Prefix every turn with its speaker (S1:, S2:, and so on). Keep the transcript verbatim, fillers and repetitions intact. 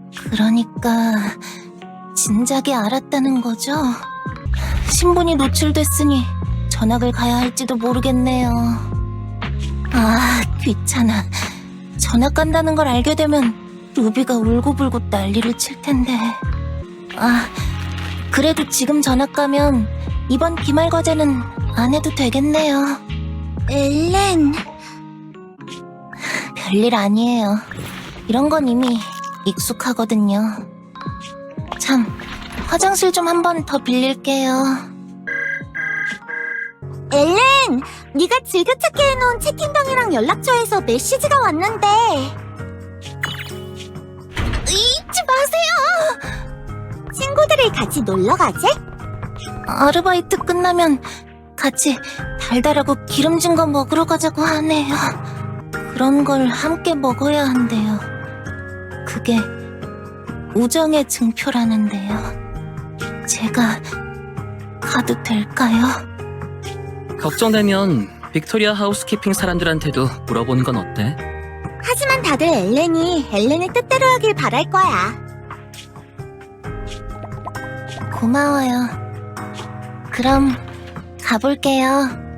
S1: 그러니까 진작에 알았다는 거죠? 신분이 노출됐으니 전학을 가야 할지도 모르겠네요. 아, 귀찮아. 전학 간다는 걸 알게 되면 루비가 울고불고 난리를 칠 텐데. 아, 그래도 지금 전학 가면 이번 기말 과제는 안 해도 되겠네요.
S2: 엘렌...
S1: 별일 아니에요. 이런 건 이미 익숙하거든요. 참, 화장실 좀 한 번 더 빌릴게요.
S2: 엘렌! 네가 즐겨찾기 해놓은 채팅방이랑 연락처에서 메시지가 왔는데...
S1: 잊지 마세요!
S2: 친구들이 같이 놀러 가재?
S1: 아르바이트 끝나면 같이 달달하고 기름진 거 먹으러 가자고 하네요. 그런 걸 함께 먹어야 한대요. 그게 우정의 증표라는데요. 제가 가도 될까요?
S3: 걱정되면 빅토리아 하우스키핑 사람들한테도 물어보는 건 어때?
S2: 하지만 다들 엘렌이 엘렌의 뜻대로 하길 바랄 거야.
S1: 고마워요. 그럼 가볼게요.